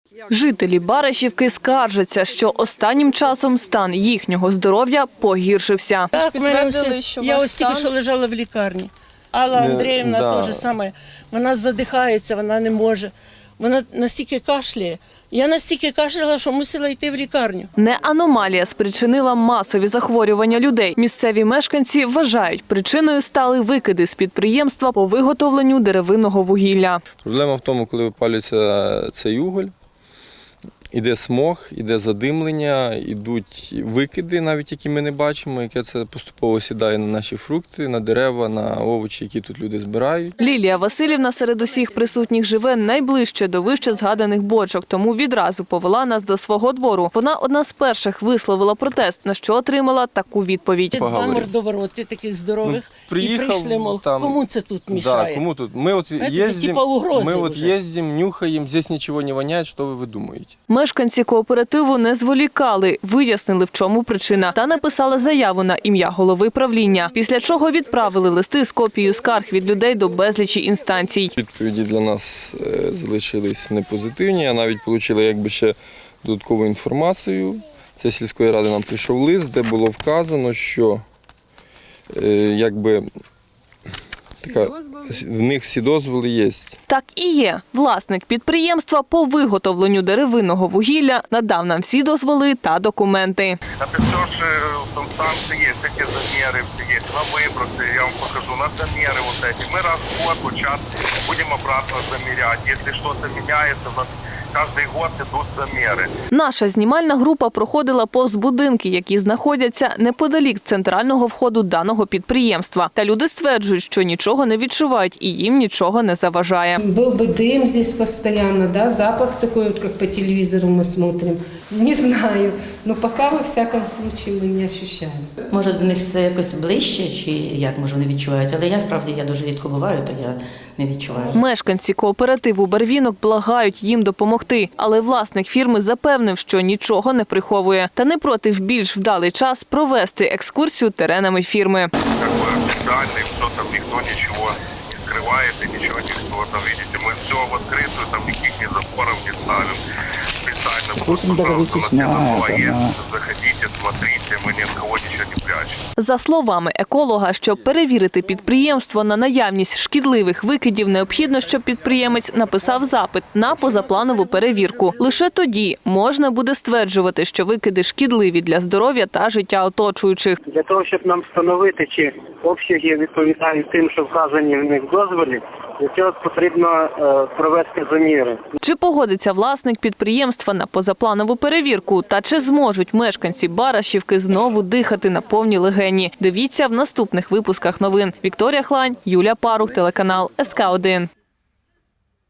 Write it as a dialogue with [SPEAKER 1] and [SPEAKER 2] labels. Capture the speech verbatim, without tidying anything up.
[SPEAKER 1] Жителі Барашівки скаржаться, що останнім часом стан їхнього здоров'я погіршився.
[SPEAKER 2] Так,
[SPEAKER 3] підтвердили, що
[SPEAKER 2] я
[SPEAKER 3] ваш
[SPEAKER 2] ось тільки
[SPEAKER 3] стан-
[SPEAKER 2] що лежала в лікарні. Алла
[SPEAKER 4] Не,
[SPEAKER 2] Андріївна
[SPEAKER 4] да.
[SPEAKER 2] теж саме. Вона задихається, вона не може. Вона настільки кашляє. Я настільки кашляла, що мусила йти в лікарню.
[SPEAKER 1] Не аномалія спричинила масові захворювання людей. Місцеві мешканці вважають, причиною стали викиди з підприємства по виготовленню деревинного вугілля.
[SPEAKER 4] Проблема в тому, коли випалюється цей уголь, іде смог, іде задимлення, ідуть викиди, навіть які ми не бачимо, яке це поступово сідає на наші фрукти, на дерева, на овочі, які тут люди збирають.
[SPEAKER 1] Лілія Василівна серед усіх присутніх живе найближче до вище згаданих бочок, тому відразу повела нас до свого двору. Вона одна з перших висловила протест, на що отримала таку відповідь.
[SPEAKER 2] Два
[SPEAKER 4] Поговорив.
[SPEAKER 2] мордовороти таких здорових
[SPEAKER 4] Ну, приїхав,
[SPEAKER 2] і прийшли, мол,
[SPEAKER 4] там-
[SPEAKER 2] кому це тут мішає?
[SPEAKER 4] Да, кому тут? Мы вот
[SPEAKER 2] Знаете, это
[SPEAKER 4] ездим,
[SPEAKER 2] типа угрозы
[SPEAKER 4] мы вот
[SPEAKER 2] уже.
[SPEAKER 4] ездим, нюхаем, здесь ничего не воняет, что вы выдумаете?
[SPEAKER 1] Мешканці кооперативу не зволікали, вияснили, в чому причина, та написали заяву на ім'я голови правління, після чого відправили листи з копією скарг від людей до безлічі інстанцій.
[SPEAKER 4] Відповіді для нас е, залишились непозитивні, а навіть отримали якби ще додаткову інформацію. Це сільської ради нам прийшов лист, де було вказано, що е, якби така, в них всі дозволи є.
[SPEAKER 1] Так і є. Власник підприємства по виготовленню деревинного вугілля надав нам всі дозволи та документи.
[SPEAKER 5] Это все же там станции есть, эти замеры есть, на выбросы, я вам покажу, на замеры вот эти. Мы раз в год, вот сейчас будем обратно замерять. Если что-то меняется, у нас каждый год идут замеры.
[SPEAKER 1] Наша знімальна група проходила повз будинки, які знаходяться неподалік центрального входу даного підприємства. Та люди стверджують, що нічого не відчувають і їм нічого не заважає.
[SPEAKER 6] Был бы дым здесь постоянно, да, запах такой, вот, как по телевизору мы смотрим. Не знаю, но пока во всяком случае мы не ощущаем.
[SPEAKER 7] Може, до них це якось ближче, чи як, може, вони відчувають, але я справді я дуже рідко буваю, то я не відчуваю.
[SPEAKER 1] Мешканці кооперативу «Барвінок» благають їм допомогти, але власник фірми запевнив, що нічого не приховує та не проти в більш вдалий час провести екскурсію теренами фірми.
[SPEAKER 5] Как бы официально, что там никто ничего не скрывает и ничего никто там, видите, мы все в открытую, там никаких ни запоров не ставим. Специально,
[SPEAKER 8] Допустим, договоритесь на это, на...
[SPEAKER 5] заходите, смотрите, мы ни от кого ничего не прячем.
[SPEAKER 1] За словами еколога, щоб перевірити підприємство на наявність шкідливих викидів, необхідно, щоб підприємець написав запит на позапланову перевірку. Лише тоді можна буде стверджувати, що викиди шкідливі для здоров'я та життя оточуючих.
[SPEAKER 9] Для того, щоб нам встановити, чи обсяги відповідають тим, що вказані в них в дозволі, для цього потрібно е, провести заміри.
[SPEAKER 1] Чи погодиться власник підприємства на позапланову перевірку? Та чи зможуть мешканці Барашівки знову дихати на повні легені? Дивіться в наступних випусках новин. Вікторія Хлань, Юлія Парух, телеканал ес ка один.